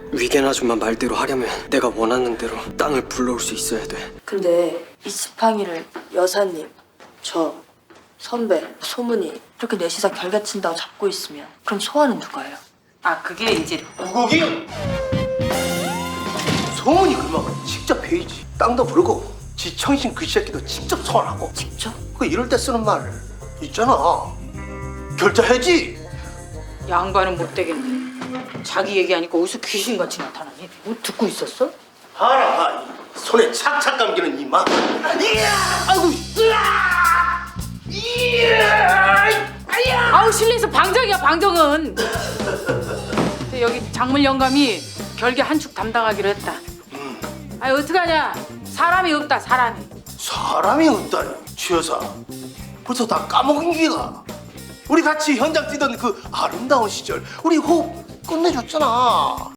위겐 아줌마 말대로 하려면 내가 원하는 대로 땅을 불러올 수 있어야 돼. 근데 이 지팡이를 여사님, 저, 선배, 소문이 이렇게 넷이서 결개친다고 잡고 있으면 그럼 소환은 누가 해요? 아 그게 이제 우국이 소문이 그만 직접 해야지. 땅도 부르고 지청신 그 새끼도 직접 소환하고. 직접? 그 이럴 때 쓰는 말 있잖아. 결제해야지. 양반은 못 되겠네. 자기 얘기하니까 어디서 귀신같이 나타나니? 뭐 듣고 있었어? 하라 손에 착착 감기는 이마. 이야! 아이고! 으아! 이야! 아야! 아우 실내에서 방정이야 방정은. 근데 여기 작물 영감이 결계 한 축 담당하기로 했다. 아이 어떡하냐? 사람이 없다 사람이. 사람이 없다니 최여사. 벌써 다 까먹은 기가. 우리 같이 현장 뛰던 그 아름다운 시절 우리 호흡 끝내줬잖아.